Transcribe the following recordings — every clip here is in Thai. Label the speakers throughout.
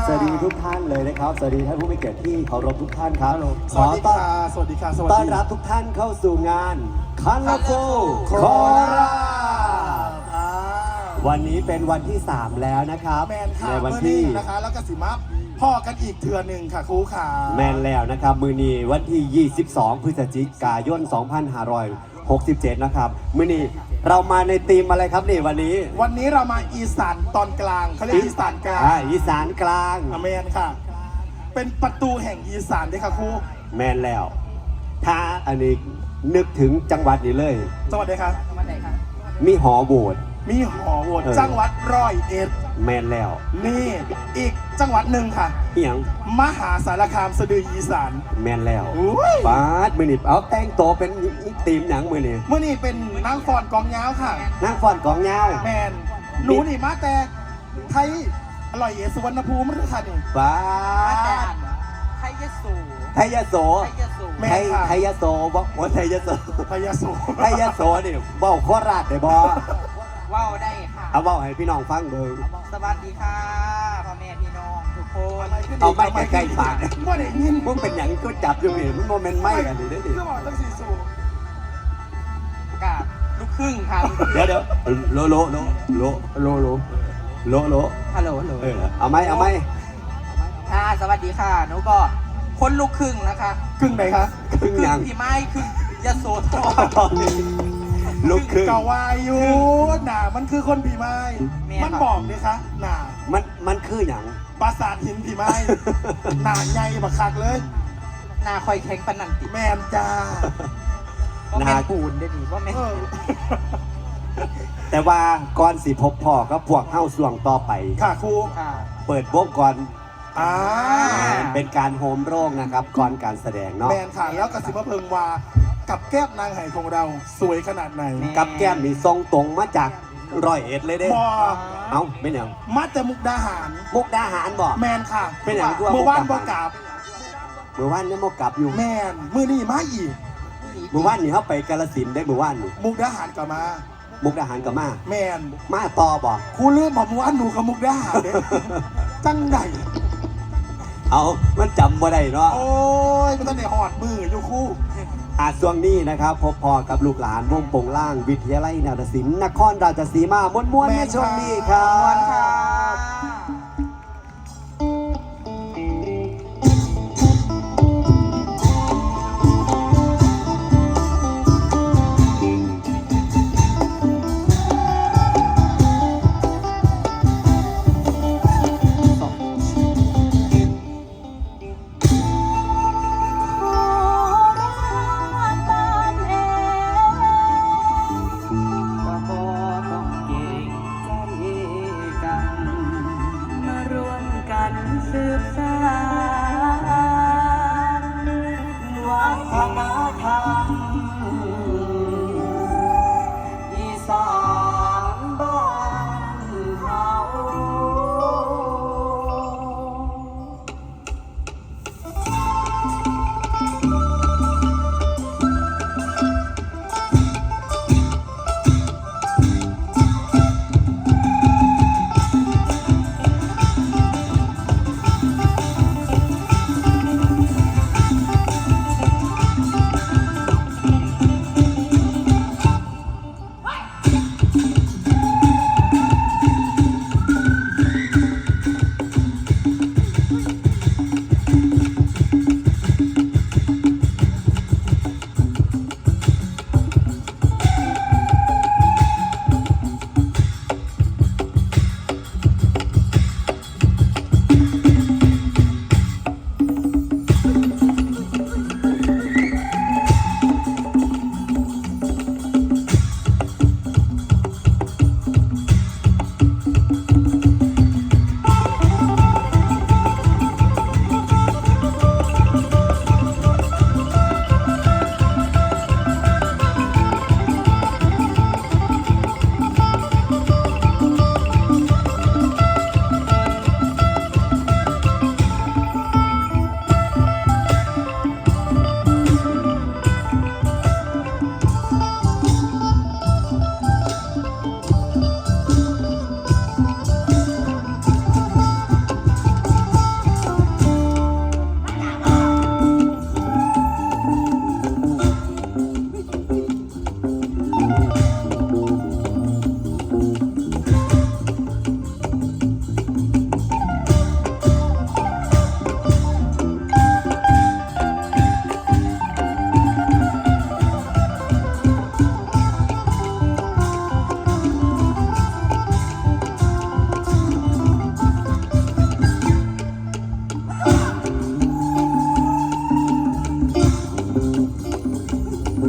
Speaker 1: สวัสดีทุกท่านเลยนะครับสวัสดีท่านผู้มีเกียรติที่เคารพทุกท่านครับ
Speaker 2: สวัสดีค่ะสวัสดีค่ะ
Speaker 1: ต้อนรับทุกท่านเข้าสู่งานคันลาโฟโคราชวันนี้เป็นวันที่3แล้วนะครับ
Speaker 2: ในวันที่นะคะแล้วก็สิมาพ่อกันอีกเทือหนึ่งค่ะครูขา
Speaker 1: แมนแล้วนะครับมือนี้วันที่22พฤศจิกายน2567นะครับมือนี้เรามาในธีมอะไรครับนี่วันนี้
Speaker 2: เรามาอีสานตอนกลางเขาเรียกอีสานกลาง
Speaker 1: อีสานกลาง
Speaker 2: แมนค่ะเป็นประตูแห่งอีสานด้วยค่ะครู
Speaker 1: แมนแล้วถ้าอันนี้นึกถึงจังหวัดนี้เลย
Speaker 2: จังหวัดไหนคะ
Speaker 3: จังหวัดไหนคะ
Speaker 1: มีหอโบสถ์
Speaker 2: จังหวัด101
Speaker 1: แมนแล้ว
Speaker 2: นี่อีกจังหวัดหนึ่งค่ะ
Speaker 1: อย่าง
Speaker 2: มหาสารคามสะดืออีสาน
Speaker 1: แมนแล้วปาดมือนี่เอาแต่งโตเป็นทีมหนังมือนี่
Speaker 2: เป็นนางฟอนกองยาวค่ะ
Speaker 1: นางฟอนกองยาว
Speaker 2: แมนหนูนี่มาแต่ไทยอร่อยเอสุวรรณภูมิหรือค่ะนี่
Speaker 1: ปาด
Speaker 3: ไทยยโส
Speaker 1: ไทยยโสไทยยโสบอกว่าไทยยโส
Speaker 2: ไทยยโส
Speaker 1: นี่บอกโคราชได้บ่
Speaker 3: ว้าวได้ค่ะ
Speaker 1: เอาบอกให้พี่น้องฟังเบิ่ง
Speaker 3: สวัสดีค่ะพ่อแม่พี่น้องทุกคน
Speaker 1: เอาไม่ใกล้ๆปาก
Speaker 2: ว่าได้ยิน
Speaker 1: มึงเป็นอย่างก็จับอยู่นี่มันโมเมนต์ไม่กันดิ
Speaker 2: ก็บอกตั้ง4 สู
Speaker 3: กาดลูกครึ่งค่ะ
Speaker 1: เดี๋ยวโลฮัลโหลเอาไหม
Speaker 3: ค่ะสวัสดีค่ะหนูก็คนลูกครึ่งนะคะ
Speaker 2: ครึ่งไหนคะ
Speaker 1: ครึ่งยัง
Speaker 3: พี่ไม้ครึ่งยโสธร
Speaker 1: ลูกครึ่ง
Speaker 2: เกาวายุหนามันคือคนผีไม้มันบอกเลยคะหนา
Speaker 1: มันคืออย่าง
Speaker 2: ปราสาทหินผีไม้หนาใหญ่บักคักเลย
Speaker 3: หนาคอยแข็งปนันติ
Speaker 2: แมนจ้า
Speaker 3: หนาปูนได้ดีว่าแม่
Speaker 1: แต่ว่าก่อนสิพบพ่อก็พวกเข้าส่วงต่อไป
Speaker 2: ค่ะครู
Speaker 1: เปิดวงก่อนเป็นการโฮมโรงนะครับก่อนการแสดงเนาะ
Speaker 2: แมนค่ะแล้วกสิมะเพิงวากับแก้มนางไห่ของเราสวยขนาดไหน
Speaker 1: กับแก้มนี่ทรงตรงมาจาก101เลยเด้เอาเป็นอย่าง
Speaker 2: มาแต่มุกดาหาร
Speaker 1: บ่
Speaker 2: แมนค่ะ
Speaker 1: เป็นอย่าง
Speaker 2: เมื่อวานบ่กลับ
Speaker 1: เมื่อวานนี่บ่กลับอยู่
Speaker 2: แมนมื้อนี้มาอีก
Speaker 1: เมื่อวานนี่เขาไปกาฬสินธุ์ได้เมื่อวาน
Speaker 2: มุกดาหารก็มา
Speaker 1: แมนมาต่อบ่
Speaker 2: ครูลืมผมว่าหนูกับมุกดาหารเด้จังใด
Speaker 1: เอามันจำบ่ได้เนาะ
Speaker 2: โอ้ยมันต้องได้หอดมืออยู่คู่
Speaker 1: ช่วงนี้นะครับพบพอกับลูกหลานวงโป่งล่างวิทยาลัยนาฏศิลป์นครราชสีมาม้วนๆในช่วงนี้ครับ
Speaker 3: สืบสานวัฒนธรรมอีสานบ้านเฮา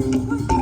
Speaker 3: เ